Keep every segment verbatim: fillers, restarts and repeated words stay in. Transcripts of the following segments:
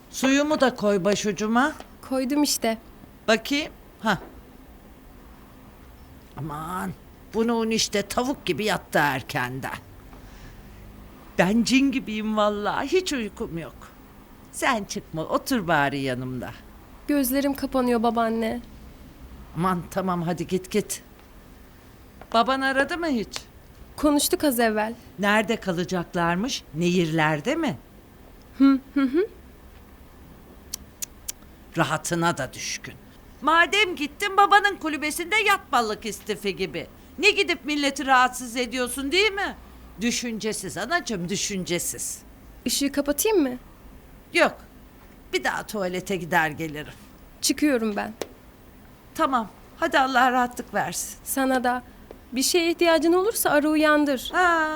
Suyumu da koy başucuma. Koydum işte. Bakayım. Ha. Aman. Bunun işte tavuk gibi yattı erkenden. Ben cin gibiyim vallahi. Hiç uykum yok. Sen çıkma. Otur bari yanımda. Gözlerim kapanıyor babaanne. Aman tamam hadi git git. Baban aradı mı hiç? Konuştuk az evvel. Nerede kalacaklarmış? Nehirlerde mi? Hı hı hı. Rahatına da düşkün. Madem gittin babanın kulübesinde yat balık istifi gibi. Ne gidip milleti rahatsız ediyorsun değil mi? Düşüncesiz anacığım, düşüncesiz. Işığı kapatayım mı? Yok, bir daha tuvalete gider gelirim. Çıkıyorum ben. Tamam, hadi Allah rahatlık versin. Sana da. Bir şeye ihtiyacın olursa ara uyandır. Ha.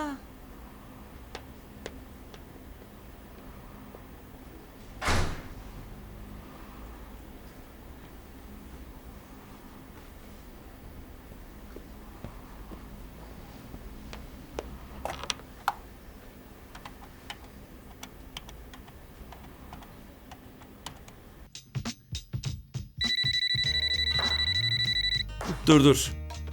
Dur dur.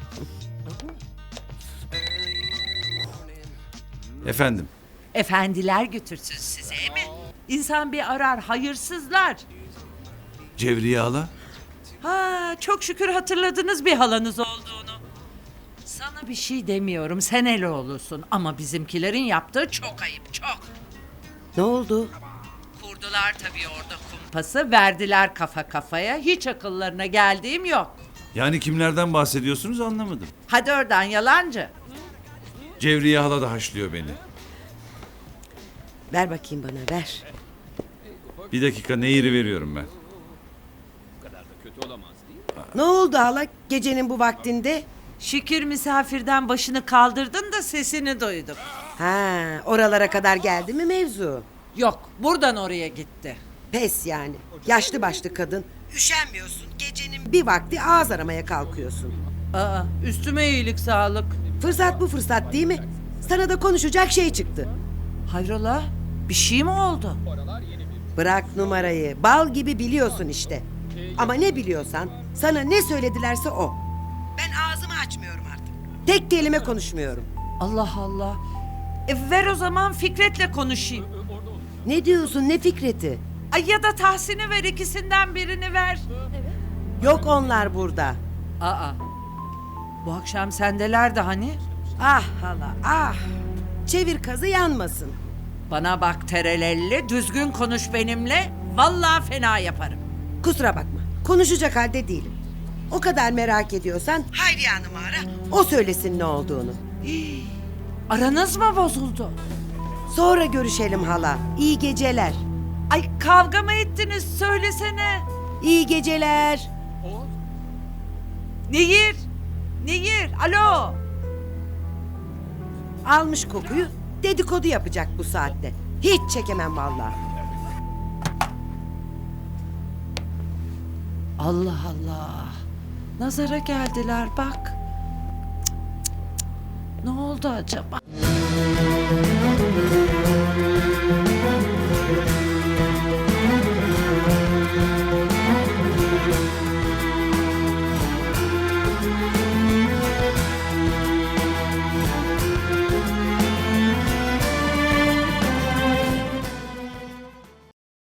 Efendim. Efendiler götürsün size mi? İnsan bir arar, hayırsızlar. Cevriye hala. Ha, çok şükür hatırladınız bir halanız olduğunu. Sana bir şey demiyorum, sen Eloğlu'sun. Ama bizimkilerin yaptığı çok ayıp, çok. Ne oldu? Kurdular tabii orada kumpası, verdiler kafa kafaya. Hiç akıllarına geldiğim yok. Yani kimlerden bahsediyorsunuz anlamadım. Hadi oradan yalancı. Cevriye hala da haşlıyor beni. Ver bakayım bana, ver. Bir dakika Nehir'i veriyorum ben. Ne oldu hala gecenin bu vaktinde? Şükür misafirden başını kaldırdın da sesini duydum. Ha, oralara kadar geldi mi mevzu? Yok, buradan oraya gitti. Pes yani. Yaşlı başlı kadın. Üşenmiyorsun. Gecenin bir vakti ağız aramaya kalkıyorsun. Aa, üstüme iyilik sağlık. Fırsat bu fırsat değil mi? Sana da konuşacak şey çıktı. Hayrola? Bir şey mi oldu? Bırak numarayı. Bal gibi biliyorsun işte. Ama ne biliyorsan, sana ne söyledilerse o. Ben ağzımı açmıyorum artık. Tek kelime konuşmuyorum. Allah Allah. E ver o zaman Fikret'le konuşayım. Ne diyorsun, ne Fikret'i? Ay ya da Tahsin'i ver, ikisinden birini ver. Yok onlar burada. Aa. Bu akşam sendelerdi hani? Ah hala, ah. Çevir kazı yanmasın. Bana bak terelelli, düzgün konuş benimle. Vallahi fena yaparım. Kusura bakma, konuşacak halde değilim. O kadar merak ediyorsan Hayriye Hanım'ı ara, o söylesin ne olduğunu. Aranız mı bozuldu? Sonra görüşelim hala. İyi geceler. Ay kavga mı ettiniz söylesene. İyi geceler. Nehir. Nehir, alo. Almış kokuyu, dedikodu yapacak bu saatte. Hiç çekemem vallahi. Allah Allah. Nazara geldiler bak. Cık, cık, cık. Ne oldu acaba?